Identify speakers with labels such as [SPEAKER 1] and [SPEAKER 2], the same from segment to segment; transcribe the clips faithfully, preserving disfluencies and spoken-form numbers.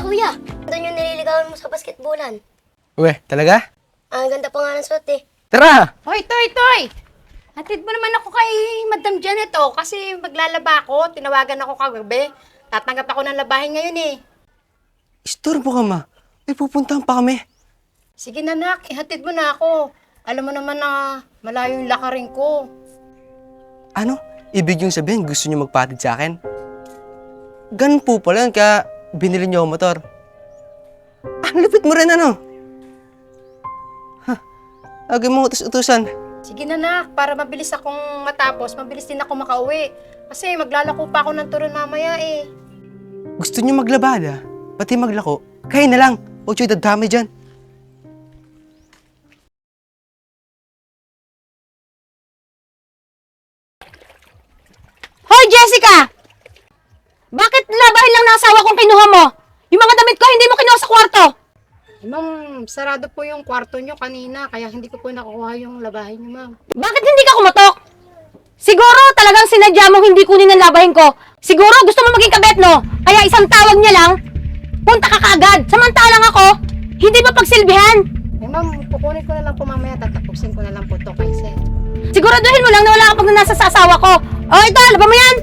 [SPEAKER 1] kuya. Doon yung nililigawan mo sa basketballan.
[SPEAKER 2] Uwe, talaga?
[SPEAKER 1] Ang ganda pa nga ng suot eh.
[SPEAKER 2] Tara!
[SPEAKER 3] Hoy, Toy, Toy! Hatid mo naman ako kay Madam Janet, oh, kasi maglalaba ako. Tinawagan ako kagabi. Tatanggap ako ng labahin ngayon, eh.
[SPEAKER 2] Istorbo ka, ma. May pupuntahan pa kami.
[SPEAKER 3] Sige na, nak. Ihatid mo na ako. Alam mo naman na malayo yung lakarin ko.
[SPEAKER 2] Ano? Ibig yung sabihin, gusto niyo magpatid sa akin? Ganun po pala yun, kaya binili niyo ang motor. Ah, lupit mo rin, ano? Ha? Agay mo utus-utusan.
[SPEAKER 3] Sige na, nak. Para mabilis akong matapos, mabilis din ako makauwi. Kasi maglalako pa ako ng turon mamaya, eh.
[SPEAKER 2] Gusto niyo maglabada, pati maglako, kayo na lang. Huwag siyo dadami dyan.
[SPEAKER 4] Hoy, Jessica! Bakit labahin lang ng asawa kong kinuha mo? Yung mga damit ko, hindi mo kinuha sa kwarto.
[SPEAKER 3] Ma'am, sarado po yung kwarto nyo kanina, kaya hindi ko po nakukuha yung labahin nyo, ma'am.
[SPEAKER 4] Bakit hindi ka kumatok? Siguro talagang sinadya mong hindi kunin ang labahin ko. Siguro gusto mo maging kabet, no? Kaya isang tawag niya lang, punta ka kaagad. Samantalang ako, hindi ba pagsilbihan?
[SPEAKER 3] Eh, ma'am, kukunin ko na lang po mamaya, tatapusin ko na lang po to kay Sir.
[SPEAKER 4] Siguraduhin mo lang na wala kang pagnanasa sa asawa ko. O ito, laban mo yan!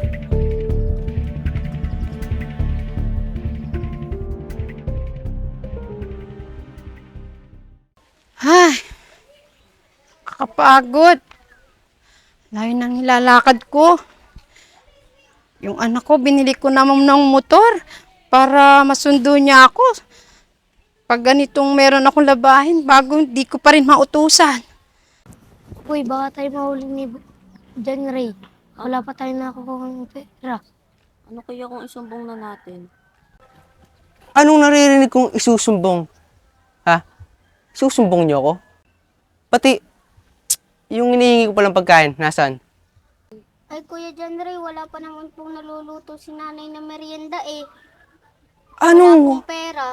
[SPEAKER 3] Ay, kakapagod. Layo nang nilalakad ko. Yung anak ko, binili ko naman ng motor para masundo niya ako. Pag ganitong meron akong labahin, bago hindi ko pa rin mautusan.
[SPEAKER 1] Uy, baka tayo mahuli ni John Ray. Wala pa tayo nakukuha ng pera.
[SPEAKER 5] Ano kaya kung isumbong na natin?
[SPEAKER 2] Anong naririnig kong isusumbong? Ha? Susumbong niyo ako? Pati, yung hinihingi ko palang pagkain, nasaan?
[SPEAKER 1] Ay, Kuya John Ray, wala pa naman pong naluluto si nanay na merienda eh. Wala
[SPEAKER 2] Ano?
[SPEAKER 1] pong pera.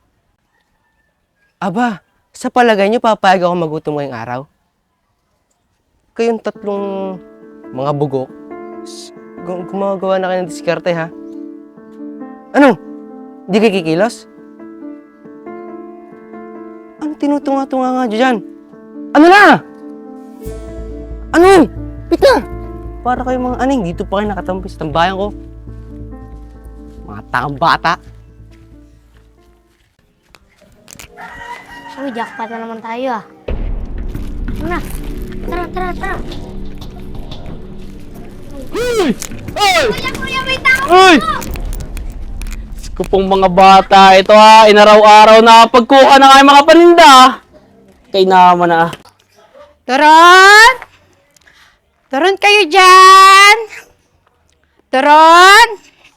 [SPEAKER 2] Aba, sa palagay niyo papayag ako magutom ngayong araw? Kayong tatlong mga bugok, s- gu- gumagawa na kayo ng diskarte, ha? Ano? Di kayo kikilos? Ano tinutunga-tunga nga dyan? Ano na? Ano? Pika! Para kayo mga aning, dito pa kayo nakatampi sa tambayan ko. Mga takang bata.
[SPEAKER 1] Uy, jackpot na naman tayo ah. Ano na? Tara, tara, tara.
[SPEAKER 6] Uy! Uy!
[SPEAKER 1] Kuya, kuya, may tao!
[SPEAKER 6] Uy! Ko pong mga bata, ito ha, inaraw-araw na pagkuha na kayo mga paninda. Kay naman na.
[SPEAKER 3] Turon! Turon kayo dyan! Turon!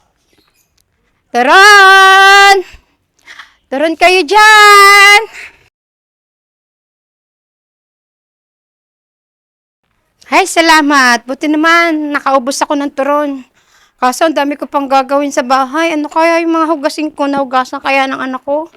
[SPEAKER 3] Turon! Turon kayo dyan! Ay, salamat. Buti naman, nakaubos ako ng turon. Kaso, ang dami ko pang gagawin sa bahay. Ano kaya yung mga hugasin ko na hugasan kaya ng anak ko?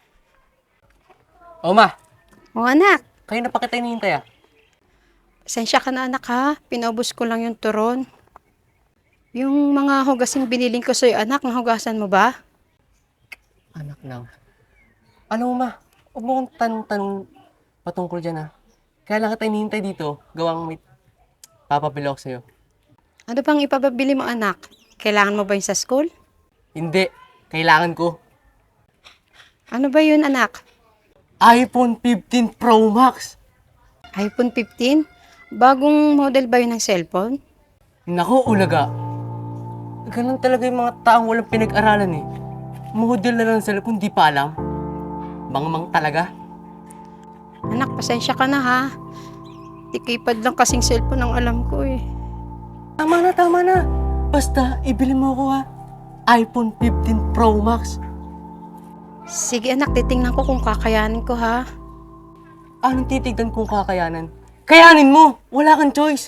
[SPEAKER 2] O ma,
[SPEAKER 3] O anak,
[SPEAKER 2] kayo na pa kita hinihintay, ah.
[SPEAKER 3] pasensya ka na anak ha. Pinaubos ko lang yung turon. Yung mga hugasing biniling ko sa'yo anak, nahugasan mo ba?
[SPEAKER 2] Anak lang. Alam mo ma, huwag mo kong tanong-tanong patungkol dyan, ha. Kaya lang kita hinihintay dito, gawang may papabili ako sa'yo.
[SPEAKER 3] Ano bang ipababili mo anak? Kailangan mo ba yun sa school?
[SPEAKER 2] Hindi, kailangan ko.
[SPEAKER 3] Ano ba yun anak?
[SPEAKER 2] iPhone fifteen Pro Max.
[SPEAKER 3] iPhone fifteen? Bagong model ba yun ng cellphone?
[SPEAKER 2] Naku, ulaga. Ganun talaga yung mga taong walang pinag-aralan eh. Model na lang ng cellphone, di pa alam. Mang-mang talaga.
[SPEAKER 3] Anak, pasensya ka na ha. Tikipad lang kasing cellphone ang alam ko eh.
[SPEAKER 2] Tama na, tama na. Basta, ibili mo ako ha. iPhone fifteen Pro Max.
[SPEAKER 3] Sige anak, titingnan ko kung kakayanin ko ha.
[SPEAKER 2] Anong titignan kung kakayanan? Kayanin mo! Wala kang choice!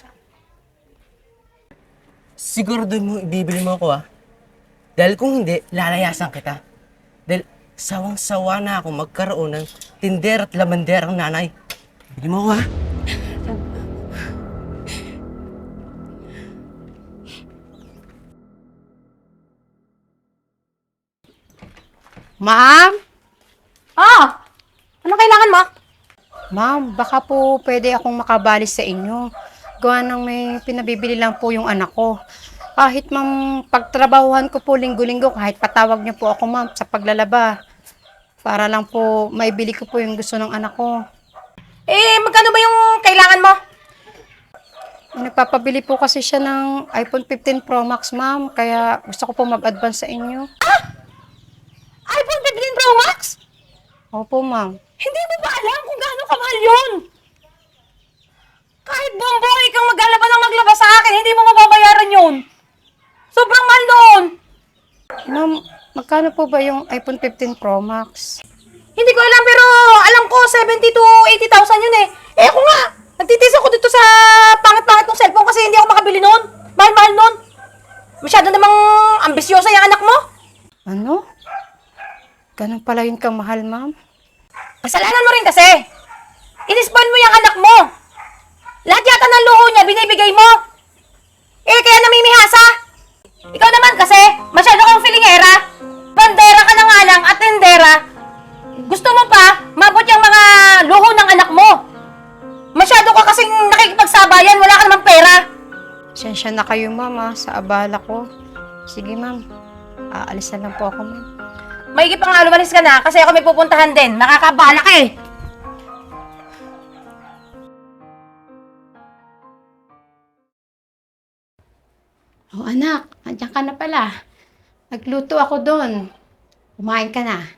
[SPEAKER 2] Siguro doon mo ibibili mo ako, ah. Dahil kung hindi, lalayasan kita. Dahil sawang-sawa na ako magkaroon ng tinder at lamanderang nanay. Bili mo ako, ah.
[SPEAKER 3] Ma'am?
[SPEAKER 4] Ah! Ano kailangan mo?
[SPEAKER 3] Ma'am, baka po pwede akong makabali sa inyo. Gawa ng may pinabibili lang po yung anak ko. Kahit ma'am, pagtrabahuhan ko po linggo-linggo, kahit patawag niyo po ako ma'am sa paglalaba. Para lang po maibili ko po yung gusto ng anak ko.
[SPEAKER 4] Eh, magkano ba yung kailangan mo?
[SPEAKER 3] Nagpapabili po kasi siya ng iPhone fifteen Pro Max ma'am, kaya gusto ko po mag-advance sa inyo.
[SPEAKER 4] iPhone fifteen Pro Max?
[SPEAKER 3] Opo ma'am.
[SPEAKER 4] Hindi mo ba alam kung gaano kamahal yun? Kahit buong buhay kang maglalaba ng maglaba sa akin, hindi mo mababayaran yun. Sobrang mahal noon.
[SPEAKER 3] Ma'am, magkano po ba yung iPhone fifteen Pro Max?
[SPEAKER 4] Hindi ko alam pero alam ko seventy to eighty thousand yun eh. Eh ako nga, nagtitis ako dito sa pangit-pangit ng cellphone kasi hindi ako makabili noon. Mahal-mahal noon. Masyado namang ambisyosa yung anak mo.
[SPEAKER 3] Ano? Ganun pala yun kamahal ma'am?
[SPEAKER 4] Kasalanan mo rin kasi. Inispan mo yung anak mo. Lahat yata ng luho niya binibigay mo. Eh kaya namimihasa. Ikaw naman kasi, masyado kang filingera. Bandera ka na nga lang at tendera. Gusto mo pa, mabot yung mga luho ng anak mo. Masyado ka kasing nakikipagsabayan, wala ka namang pera.
[SPEAKER 3] Sensya na kayo ma'am ah, sa abala ko. Sige ma'am, aalis na lang po ako ma'am.
[SPEAKER 4] Maigi pa nga lumalis ka na kasi ako may pupuntahan din. Nakakabala ka eh.
[SPEAKER 3] Oh anak, andyan ka na pala. Nagluto ako doon. Kumain ka na.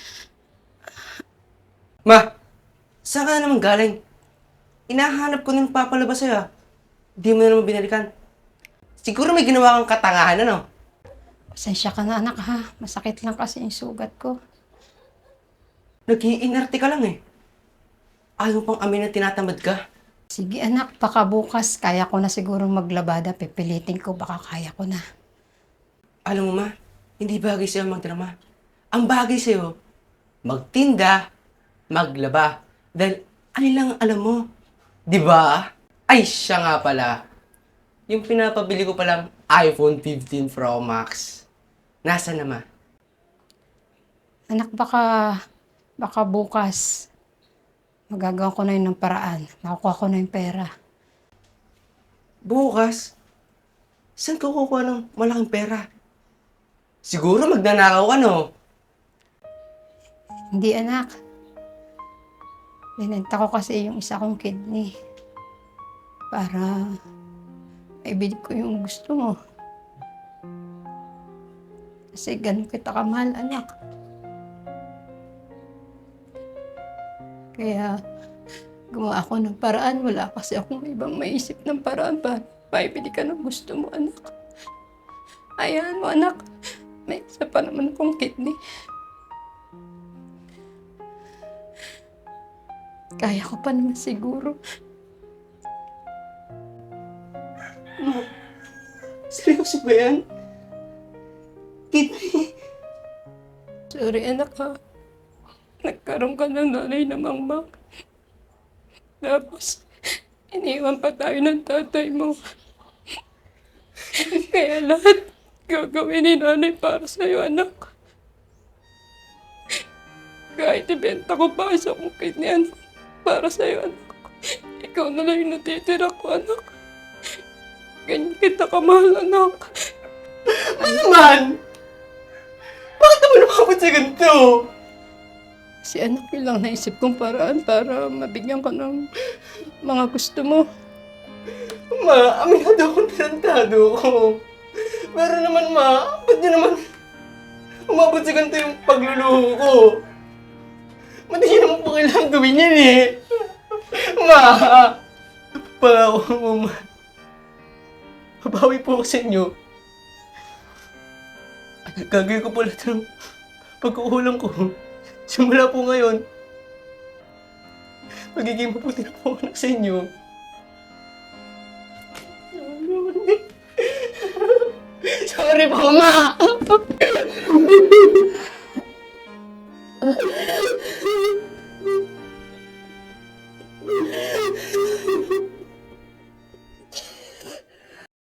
[SPEAKER 2] Ma, saan ka na naman galing? Inahanap ko nang papalabas sa'yo ah. Di mo na naman binalikan. Siguro may ginawa kang katangahan, ano?
[SPEAKER 3] Pasensya ka na anak ha. Masakit lang kasi yung sugat ko.
[SPEAKER 2] Nag-iinarte ka lang eh. Ayaw pang amin na tinatamad ka.
[SPEAKER 3] Sige anak, baka bukas kaya ko na siguro maglabada. Pipilitin ko, baka kaya ko na.
[SPEAKER 2] Alam mo ma, hindi bagay sa'yo magdrama. Ang bagay sa'yo, magtinda, maglaba. Dahil ano lang ang alam mo. Di ba? Ay, siya nga pala. Yung pinapabili ko palang iPhone fifteen Pro Max. Nasaan na ma?
[SPEAKER 3] Anak, baka, baka bukas magagawa ko na yun ng paraan. Makukuha ko na yung pera.
[SPEAKER 2] Bukas? Saan ka kukuha ng malaking pera? Siguro magnanakaw ka, no?
[SPEAKER 3] Hindi anak. Binenta ko kasi yung isa kong kidney. Para maibili ko yung gusto mo. Kasi ganun kita kamahal, anak. Kaya gumawa ako ng paraan. Wala kasi akong ibang maisip ng paraan para maibili ka ng gusto mo, anak. Ayan mo, anak. May isa pa naman akong kidney. Kaya ko pa naman siguro.
[SPEAKER 2] Seryoso ba yan? Kidney?
[SPEAKER 3] Sorry, anak ha. Nagkaroon ka ng nanay na mangmang. Tapos, iniwan pa tayo ng tatay mo. Kaya lahat gagawin ni nanay para sa'yo, anak. Kahit ibenta ko pa sa kong kidney, anak. Para sa'yo, anak. Ikaw na lang yung natitira ko, anak. Ganyan kita kamahal, anak.
[SPEAKER 2] Ano naman? Bakit naman nakapot sa ganito?
[SPEAKER 3] Si anak yun lang naisip kong paraan para mabigyan ka ng mga gusto mo.
[SPEAKER 2] Ma, aminado akong tarantado ko. Pero naman ma, ba't niyo naman umabot sa ganito yung pagluluho ko? Ba't niyo naman po kailangan gawin yan eh? Ma, pangako mo ma. Babawi po ako sa inyo. Gagawin ko po lahat ng pagkukulang ko. Simula po ngayon, magiging mabuti na po ako sa inyo. Sorry po, ma!